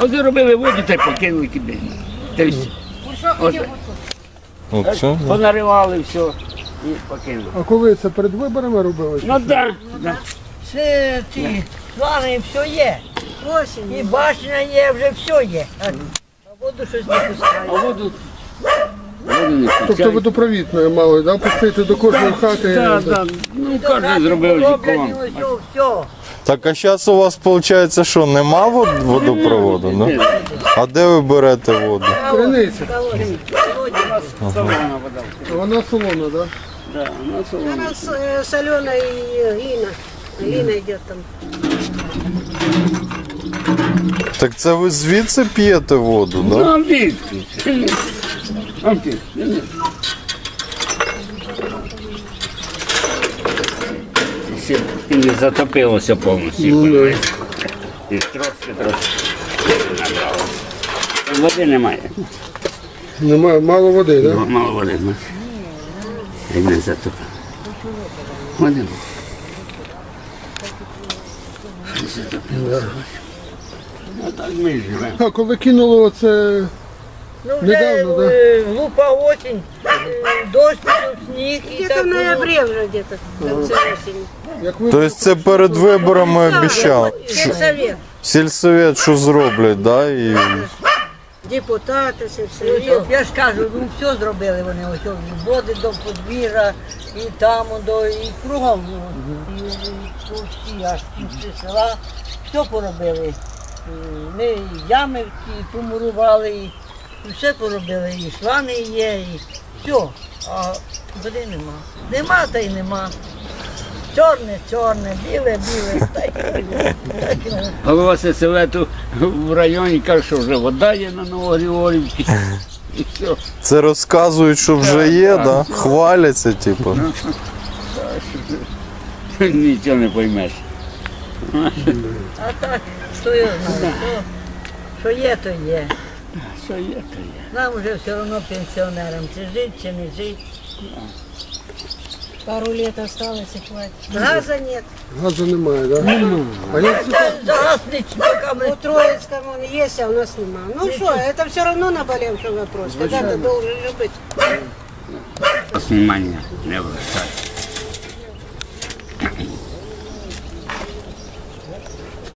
А вони робили воду та й покинули куди. Та й все. Оце? Понаривали все і покинули. А коли це перед виборами робили? Ну так, так. Все ці плани, все є. І башня є, вже все є. А воду щось не А пускає. воду не Тобто пускають. водопровідною мали, да? Пустити до кожної хати. Так, так. Ну, кожен зробив житлом. Все. Так, а зараз у вас виходить, що нема водопроводу, да? А де ви берете воду? Криниця. Солона вода. Вона солона, да? Да, вона солона. Она соленая и глина. Глина идет там. Так це ви звідси п'єте воду, да? Ну, амбітки. Амбітки. Ще не затопилося повністю. І трошки набрало. Води немає. Немає, мало води, да? Мало води. І не затопило. Води було. Не затопилося. А так ми живемо. А коли кинуло оце, Ну вже Недавно, да? глупа осінь, дощ пішов, сніг і Где-то так в було. ноябре уже где-то, в конце осени. як ви Тобто це перед виборами обіцяли? Сельсовет, Сільсовет що зроблять, да? І... депутаты, Ну, сельсовет. я ж кажу, ну все зробили вони, ось і води до подвір'я, і там, і кругом, і по всі, аж півці села, все поробили. Ми і ями ті помурували, і все поробили, і шлани є, і все, а води нема. Нема та й нема. Чорне, чорне, біле, біле, так і воно. Голова сельсовету в районі каже, що вже вода є на Новогригорівці. І все. Це розказують, що вже є, да? Хваляться, типу. Нічого не поймеш. А так, що я знаю, що є, то є. Що є, то є. Нам вже все одно пенсіонерам, чи жити, чи не жити. Пару лет осталось и хватит. Газа нет. газу немає, да? А як це? За газ не чеками. У Троицком он есть, а у нас нема. Ну что, это все равно наболевший вопрос. Когда-то должен же быть. Внимання не обращати.